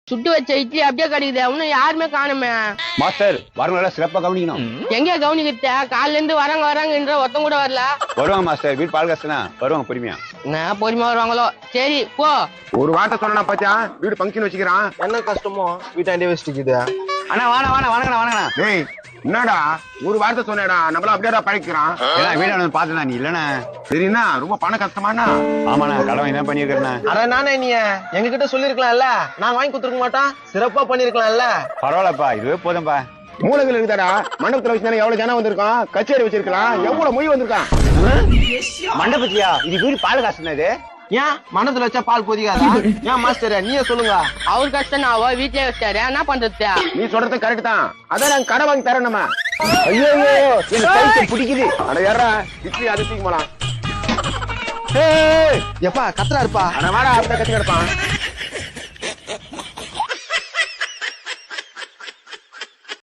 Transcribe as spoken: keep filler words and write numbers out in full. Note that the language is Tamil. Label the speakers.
Speaker 1: சுட்டு வச்ச இட்லி அப்படியே கிடைக்குது இன்னும் யாருமே காணுமே.
Speaker 2: மாஸ்டர் வரவங்கள சிறப்பா கவனிக்கணும்.
Speaker 1: எங்க கவனிக்கிட்ட காலைல இருந்து வராங்க வராங்கன்ற ஒருத்தம் கூட வரல.
Speaker 2: வருவாங்க மாஸ்டர், வீட்டு பால் காசுனா வருவாங்க பொறுமையா.
Speaker 1: நான் பொறுமையா வருவாங்களோ. சரி போ.
Speaker 3: ஒரு வார்த்தை சொன்னா பாத்தியா வீடு பங்கன் வச்சுக்கிறான்.
Speaker 4: என்ன கஷ்டமோ வீட்டாண்டே வச்சுக்குது.
Speaker 2: அண்ணா வாணா வாணா வணங்கண்ணா வணங்கண்ணா.
Speaker 3: டேய் என்னடா ஒரு வார்த்தை சொன்னேடா நம்மள அப்படியே பழக்கிறான்.
Speaker 2: ஏன்னா வீடான பாத்துனா நீ இல்லனா
Speaker 3: சரிண்ணா ரொம்ப பண கஷ்டமாண்ணா.
Speaker 2: ஆமாண்ணா கடவுள் என்ன பண்ணிருக்கேண்ணா.
Speaker 4: அட நானே நீ எங்க கிட்ட சொல்லிருக்கலாம்ல, நாங்க வாங்கி கொடுத்துருக்க மாட்டோம், சிறப்பா பண்ணிருக்கலாம்ல.
Speaker 2: பரவாயில்லப்பா இதுவே போதும்பா.
Speaker 3: மூலகள் இருக்குதாடா மண்டபத்துல வச்சுதானே எவ்வளவு ஜனம் வந்திருக்கான், கச்சேரி வச்சிருக்கலாம், எவ்வளவு மொய் வந்திருக்கான்.
Speaker 2: மண்டபத்தியா இது வீடு பால் காசுனா இது.
Speaker 4: ஏன் மனதுல வச்சா பால் கொதிக்காதா? ஏன் மாஸ்டர் நீயே சொல்லுங்க.
Speaker 1: அவர் கஷ்டம் அவ வீட்லயே வச்சாரு, என்ன பண்றது?
Speaker 3: நீ சொல்றது கரெக்ட் தான், அதான் நாங்க கடை வாங்கி தரோம் நம்ம.
Speaker 2: ஐயோ எனக்கு கைக்கு பிடிக்குது.
Speaker 3: அட யாரா இட்லி அது தூக்கி போலாம்.
Speaker 4: எப்பா கத்துறா இருப்பா.
Speaker 3: அட வாடா அப்படியே கத்தி கிடப்பான்.